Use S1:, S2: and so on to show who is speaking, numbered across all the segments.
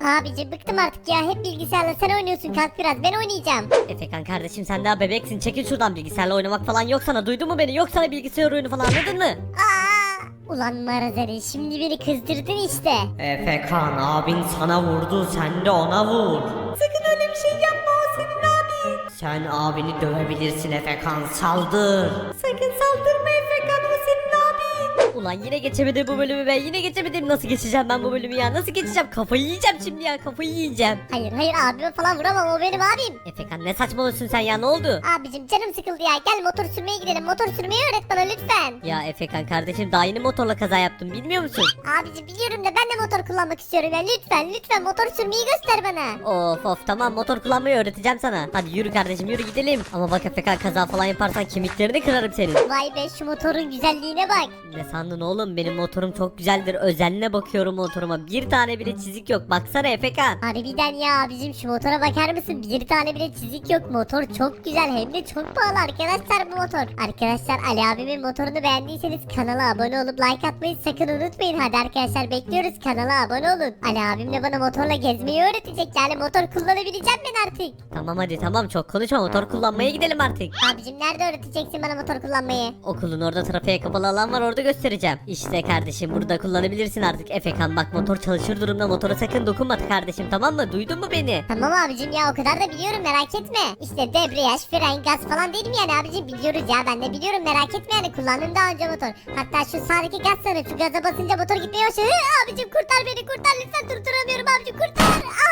S1: Abicim bıktım artık ya. Hep bilgisayarla sen oynuyorsun. Kalk biraz ben oynayacağım.
S2: Efekan kardeşim sen daha bebeksin, çekil şuradan, bilgisayarla oynamak falan yok sana, duydun mu beni? Yok sana bilgisayar oyunu falan, anladın mı?
S1: Ulan Marazeli şimdi beni kızdırdın işte.
S3: Efekan abin sana vurdu, sen de ona vur.
S2: Sakın öyle bir şey yapma, o senin abin.
S3: Sen abini dövebilirsin Efekan, saldır.
S2: Sakın saldırma Efekan, o senin abin. Ulan yine geçemedim bu bölümü ben, yine geçemedim. Nasıl geçeceğim ben bu bölümü ya, nasıl geçeceğim? Kafayı yiyeceğim şimdi ya, kafayı yiyeceğim.
S1: Hayır abime falan vuramam, o benim abim.
S2: Efekan ne saçmalıyorsun sen ya, ne oldu?
S1: Abicim canım sıkıldı ya, gel motor sürmeye gidelim. Motor sürmeyi öğret bana lütfen.
S2: Ya Efekan kardeşim daha yeni motorla kaza yaptım, bilmiyor musun?
S1: Abicim biliyorum da ben de motor kullanmak istiyorum ya, lütfen motor sürmeyi göster bana.
S2: Of tamam, motor kullanmayı öğreteceğim sana. Hadi yürü kardeşim, yürü gidelim. Ama bak Efekan, kaza falan yaparsan kemiklerini kırarım senin.
S1: Vay be, şu motorun güzelliğine bak.
S2: Ne sandın oğlum, benim motorum çok güzeldir. Özenle bakıyorum motoruma, bir tane bile çizik yok. Baksana Efekan.
S1: Harbiden ya abicim, şu motora bakar mısın? Bir tane bile çizik yok. Motor çok güzel, hem de çok pahalı arkadaşlar bu motor. Arkadaşlar Ali abimin motorunu beğendiyseniz kanala abone olup like atmayı sakın unutmayın. Hadi arkadaşlar bekliyoruz, kanala abone olun. Ali abim de bana motorla gezmeyi öğretecek, yani motor kullanabileceğim ben artık.
S2: Tamam hadi tamam, çok konuşma, motor kullanmaya gidelim artık.
S1: Abicim nerede öğreteceksin bana motor kullanmayı?
S2: Okulun orada trafiğe kapalı alan var, orada göstereceğim. İşte kardeşim, burada kullanabilirsin artık. Efekan bak, motor çalışır durumda, motora sakın dokunma kardeşim, tamam mı? Duydun mu beni?
S1: Tamam abicim ya, o kadar da biliyorum, merak etme. İşte debriyaj, fren, gaz falan değil mi yani abicim? Biliyoruz ya, ben de biliyorum, merak etme yani, kullandım daha önce motor. Hatta şu sağdaki gaz sana, şu gaza basınca motor gitmeye başlıyor. Abicim kurtar beni, kurtar lütfen, durduramıyorum abicim, kurtar.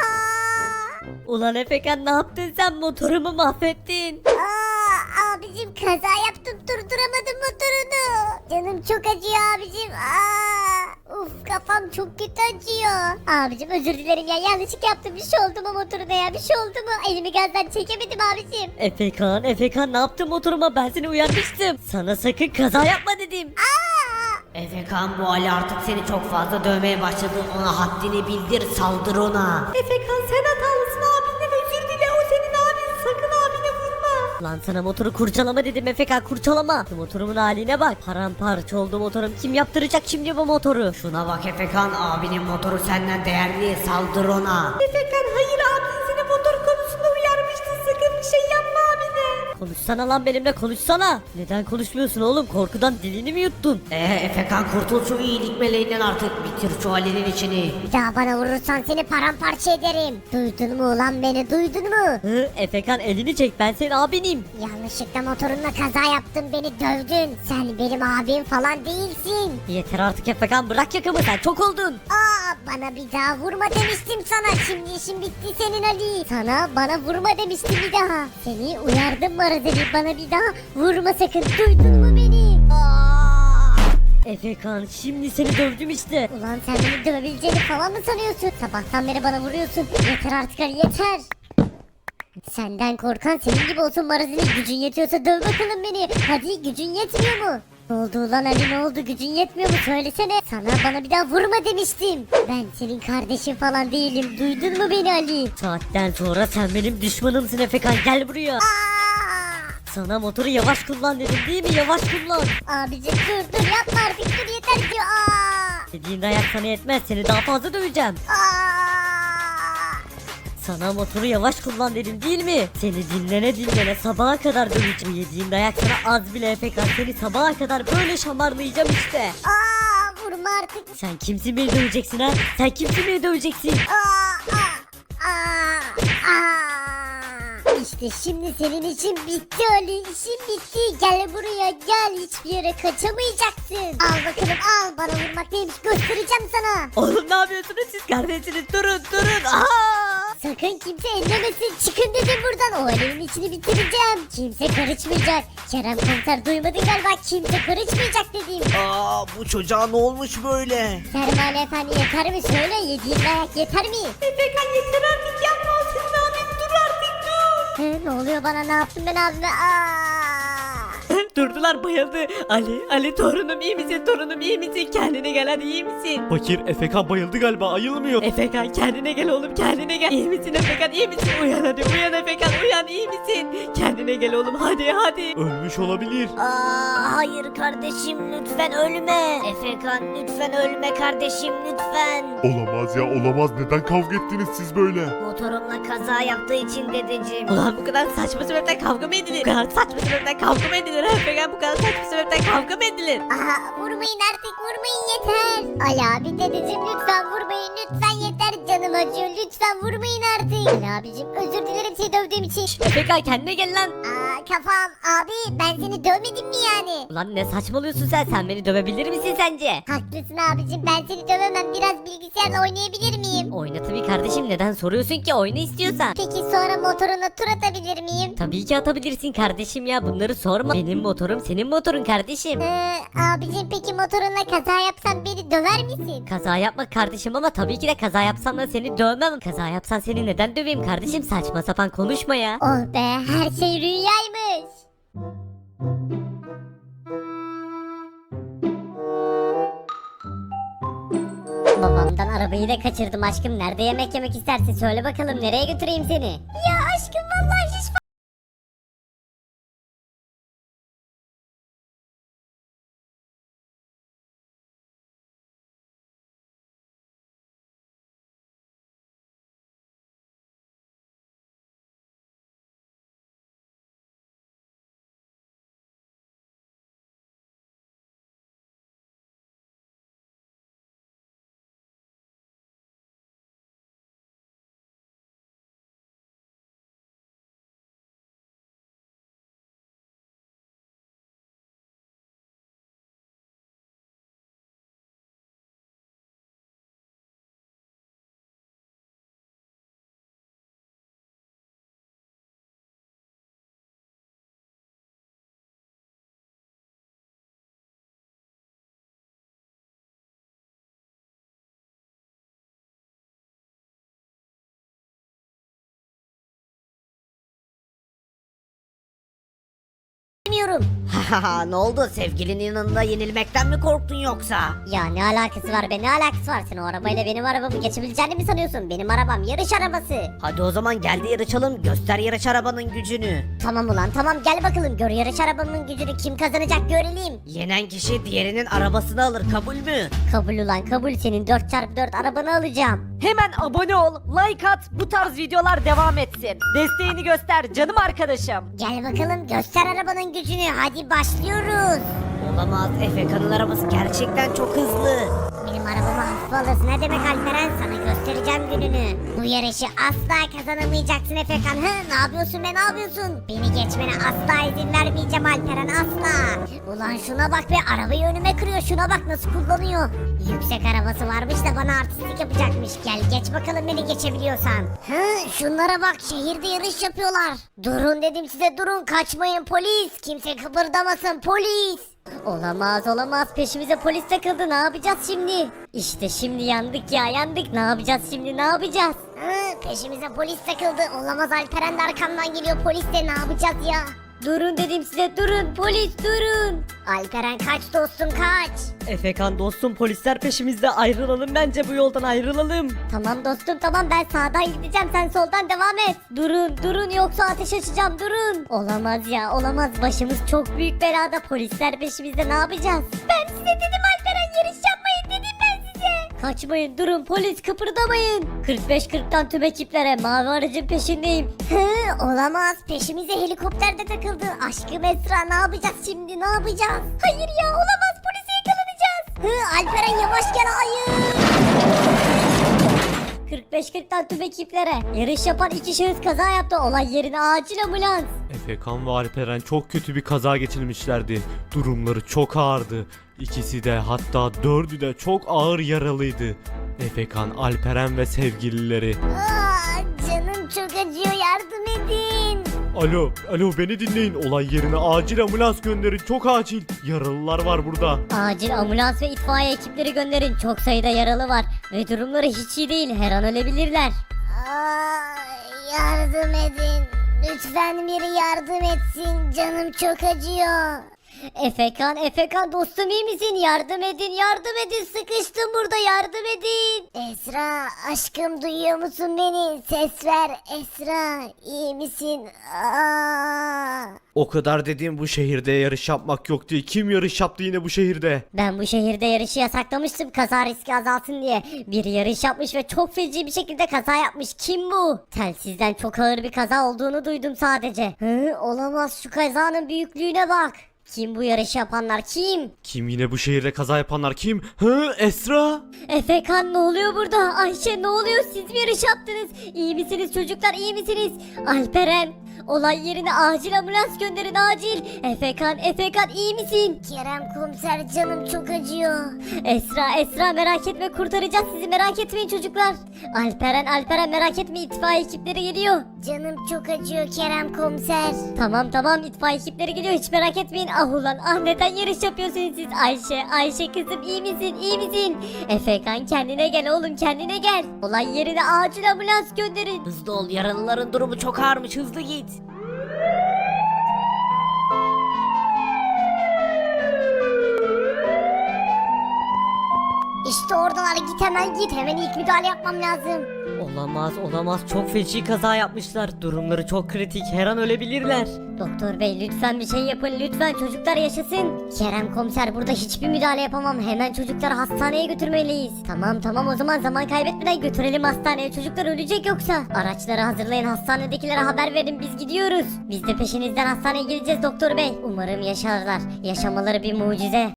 S2: Ulan Efekan ne yaptın sen, motorumu mahvettin.
S1: Abicim kaza yaptım, durduramadım motorunu. Canım çok acıyor abicim. Uf, kafam çok kötü acıyor. Abicim özür dilerim ya, yanlışlık yaptım, bir şey oldu mu motoruna ya, bir şey oldu mu? Elimi gazdan çekemedim abicim.
S2: Efekan ne yaptın motoruma, ben seni uyarmıştım. Sana sakın kaza yapma dedim.
S3: Efekan bu Ali artık seni çok fazla dövmeye başladı, ona haddini bildir, saldır ona.
S2: Efekan sen hatalısın, abinden özür dile, o senin abin, sakın abine vurma. Lan sana motoru kurcalama dedim Efekan, kurcalama. Şu motorumun haline bak, paramparça oldu motorum, kim yaptıracak şimdi bu motoru?
S3: Şuna bak Efekan, abinin motoru senden değerli, saldır ona.
S2: Efekan hayır, abin seni motor konusunda uyarmıştı, sakın bir şey yapma abine. Konuşsana lan benimle, konuşsana. Neden konuşmuyorsun oğlum, korkudan dilini mi yuttun?
S3: Efekan kurtul şu iyilik meleğinden artık, bitir şu Ali'nin içini.
S1: Bir daha bana vurursan seni paramparça ederim. Duydun mu ulan beni, duydun mu?
S2: Efekan elini çek, ben senin abinim.
S1: Yanlışlıkla motorunla kaza yaptın, beni dövdün. Sen benim abim falan değilsin.
S2: Yeter artık Efekan, bırak yakamı, sen çok oldun.
S1: Bana bir daha vurma demiştim sana. Şimdi işin bitti senin Ali. Sana bana vurma demiştim bir daha. Seni uyardım Marazeli, bana bir daha vurma sakın. Duydun mu beni?
S2: Efekan şimdi seni dövdüm işte.
S1: Ulan sen beni dövebileceğini falan mı sanıyorsun? Sabahtan beri bana vuruyorsun. Yeter artık Ali, yeter. Senden korkan senin gibi olsun Marazeli. Gücün yetiyorsa döv bakalım beni. Hadi, gücün yetmiyor mu? Ne oldu ulan Ali, ne oldu, gücün yetmiyor mu, söylesene. Sana bana bir daha vurma demiştim. Ben senin kardeşin falan değilim, duydun mu beni Ali?
S2: Saatten sonra sen benim düşmanımsın Efekan, gel buraya. Sana motoru yavaş kullan dedim değil mi, yavaş kullan.
S1: Abicim dur yapma artık, dur yeter diyor.
S2: Dediğin dayak sana yetmez, seni daha fazla döveceğim. Sana motoru yavaş kullan dedim değil mi? Seni dinlene sabaha kadar döveceğim. Yediğin dayak sana az bile Efekan, seni sabaha kadar böyle şamarlayacağım işte.
S1: Vurma artık.
S2: Sen kimsin beni döveceksin ha? Sen kimsin beni döveceksin?
S1: İşte şimdi senin için bitti Ali, işin bitti. Gel buraya gel, hiçbir yere kaçamayacaksın. Al bakalım al, bana vurmak neymiş göstereceğim sana.
S2: Oğlum ne yapıyorsunuz siz kardeşiniz, durun.
S1: Sakın kimse ellemesin, çıkın dedim buradan, o Ali'nin içini bitireceğim. Kimse karışmayacak. Kerem komiser duymadın galiba, kimse karışmayacak dedim.
S4: Bu çocuğa ne olmuş böyle?
S1: Sermale efendi yeter mi, söyle, yediğin dayak yeter mi?
S2: Efekan yeter artık, yapma, o senin abin, dur artık dur.
S1: Ne oluyor bana, ne yaptım ben abime?
S2: Durdular, bayıldı. Ali torunum iyi misin, torunum iyi misin? Kendine gel hadi, iyi misin?
S5: Fakir Efekan bayıldı galiba, ayılmıyor.
S2: Efekan kendine gel oğlum, kendine gel. İyi misin Efekan, iyi misin? Uyan hadi, uyan Efekan, uyan, iyi misin? Kendine gel oğlum, hadi.
S5: Ölmüş olabilir.
S3: Hayır kardeşim lütfen ölme. Efekan lütfen ölme kardeşim lütfen.
S6: Olamaz ya, olamaz. Neden kavga ettiniz siz böyle?
S3: Motorumla kaza yaptığı için dedeciğim.
S2: Ulan bu kadar saçma sebepten kavga mı edilir? Bu kadar saçma sebepten kavga mı edilir Efekan? Bu kadar saçma sebepten kavga mı edilir?
S1: Aha, vurmayın artık, vurmayın, yeter. Ali abi, dedeciğim, lütfen vurmayın, lütfen, yeter, canım acıyor, lütfen vurmayın artık. Ali abicim, özür dilerim seni dövdüğüm için.
S2: Efekan kendine gel lan.
S1: Kafam abi, ben seni dövmedim mi yani?
S2: Ulan ne saçmalıyorsun sen beni dövebilir misin sence?
S1: Haklısın abicim, ben seni dövemem, biraz bilgisayarla oynayabilir miyim?
S2: Oyna tabii kardeşim, neden soruyorsun ki, oyna istiyorsan.
S1: Peki sonra motoruna tur atabilir miyim?
S2: Tabii ki atabilirsin kardeşim ya, bunları sorma. Benim motorum senin motorun kardeşim.
S1: Abicim, peki motorunla kaza yapsam beni döver misin?
S2: Kaza yapma kardeşim, ama tabii ki de kaza yapsam da seni dövmem. Kaza yapsan seni neden döveyim kardeşim, saçma sapan konuşma ya.
S1: Oh be, her şey rüyaymış. Babamdan arabayı da kaçırdım aşkım. Nerede yemek yemek istersin? Söyle bakalım, nereye götüreyim seni? Ya aşkım, vallahi hiç bilmiyorum.
S3: Haha ne oldu sevgilinin yanında yenilmekten mi korktun yoksa?
S1: Ya ne alakası var be, ne alakası var? Sen o arabayla benim arabamı geçebileceğini mi sanıyorsun? Benim arabam yarış arabası.
S3: Hadi o zaman gel de yarışalım göster yarış arabanın gücünü.
S1: Tamam ulan, tamam, gel bakalım, gör yarış arabamın gücünü, kim kazanacak görelim.
S3: Yenen kişi diğerinin arabasını alır kabul mü?
S1: Kabul ulan, kabul, senin 4x4 arabanı alacağım.
S2: Hemen abone ol, like at, bu tarz videolar devam etsin. Desteğini göster canım arkadaşım.
S1: Gel bakalım, göster arabanın gücünü, hadi başlıyoruz.
S3: Olamaz Efekan'ın arabası gerçekten çok hızlı.
S1: Benim arabamı hafife alırsın, ne demek Alperen, sana göstereceğim gününü. Bu yarışı asla kazanamayacaksın Efekan. Ne yapıyorsun be, ne yapıyorsun? Beni geçmene asla izin vermeyeceğim Alperen, asla. Ulan şuna bak be, arabayı önüme kırıyor, şuna bak nasıl kullanıyor. Yüksek arabası varmış da bana artistlik yapacakmış. Gel geç bakalım beni geçebiliyorsan. Şunlara bak, şehirde yarış yapıyorlar. Durun dedim size, durun, kaçmayın polis. Kimse kıpırdamasın polis. Olamaz olamaz, peşimize polis takıldı, ne yapacağız şimdi? İşte şimdi yandık ya, yandık, ne yapacağız şimdi, ne yapacağız? Peşimize polis takıldı, olamaz, Alperen de arkamdan geliyor, polis de, ne yapacağız ya? Durun dedim size, durun polis, durun. Alperen kaç dostum, kaç.
S2: Efekan dostum, polisler peşimizde, ayrılalım bence, bu yoldan ayrılalım.
S1: Tamam dostum, tamam, ben sağdan gideceğim, sen soldan devam et. Durun yoksa ateş açacağım, durun. Olamaz ya, olamaz, başımız çok büyük belada, polisler peşimizde, ne yapacağız? Ben size dedim Alperen, yarış yapmayın dedim ben size. Kaçmayın, durun polis, kıpırdamayın. 45-40'tan tüm ekiplere, mavi aracın peşindeyim. Olamaz, peşimize helikopter de takıldı. Aşkım Esra, ne yapacağız şimdi, ne yapacağız? Hayır ya, olamaz, polise yakalanacağız. Alperen yavaş gel, hayır. 45-40'tan tüm ekiplere. Yarış yapan iki şahıs kaza yaptı. Olay yerine acil ambulans.
S5: Efekan ve Alperen çok kötü bir kaza geçirmişlerdi. Durumları çok ağırdı. İkisi de, hatta dördü de çok ağır yaralıydı. Efekan, Alperen ve sevgilileri.
S1: Canım çok acıyor, yardım edin.
S5: Alo beni dinleyin. Olay yerine acil ambulans gönderin, çok acil. Yaralılar var burada.
S1: Acil ambulans ve itfaiye ekipleri gönderin. Çok sayıda yaralı var ve durumları hiç iyi değil. Her an ölebilirler. Yardım edin. Lütfen biri yardım etsin. Canım çok acıyor. Efekan dostum iyi misin? Yardım edin sıkıştım burada yardım edin. Esra aşkım duyuyor musun beni? Ses ver Esra iyi misin? Aa.
S5: O kadar dediğim bu şehirde yarış yapmak yok diye. Kim yarış yaptı yine bu şehirde?
S1: Ben bu şehirde yarışı yasaklamıştım kaza riski azalsın diye. Biri yarış yapmış ve çok feci bir şekilde kaza yapmış. Kim bu? Telsizden çok ağır bir kaza olduğunu duydum sadece. Olamaz şu kazanın büyüklüğüne bak. Kim bu yarışı yapanlar kim?
S5: Kim yine bu şehirde kaza yapanlar kim? Hı, Esra?
S1: Efekan ne oluyor burada? Ayşe ne oluyor? Siz mi yarış yaptınız? İyi misiniz çocuklar iyi misiniz? Alperen olay yerine acil ambulans gönderin acil. Efekan iyi misin? Kerem komiser canım çok acıyor. Esra merak etme kurtaracağız sizi merak etmeyin çocuklar. Alperen merak etme itfaiye ekipleri geliyor. Canım çok acıyor Kerem komiser. Tamam itfaiye ekipleri geliyor hiç merak etmeyin. Ah ulan neden yarış yapıyorsunuz siz? Ayşe kızım iyi misin? Efekan kendine gel oğlum kendine gel. Olay yerine acil ambulans gönderin.
S3: Hızlı ol, yaralıların durumu çok ağırmış, hızlı git.
S1: İşte oradalar git hemen ilk müdahale yapmam lazım.
S2: Olamaz çok feci kaza yapmışlar. Durumları çok kritik her an ölebilirler.
S1: Doktor bey lütfen bir şey yapın lütfen çocuklar yaşasın. Kerem komiser burada hiçbir müdahale yapamam. Hemen çocukları hastaneye götürmeliyiz. Tamam o zaman zaman kaybetmeden götürelim hastaneye. Çocuklar ölecek yoksa. Araçları hazırlayın hastanedekilere haber verin biz gidiyoruz. Biz de peşinizden hastaneye gideceğiz doktor bey. Umarım yaşarlar. Yaşamaları bir mucize.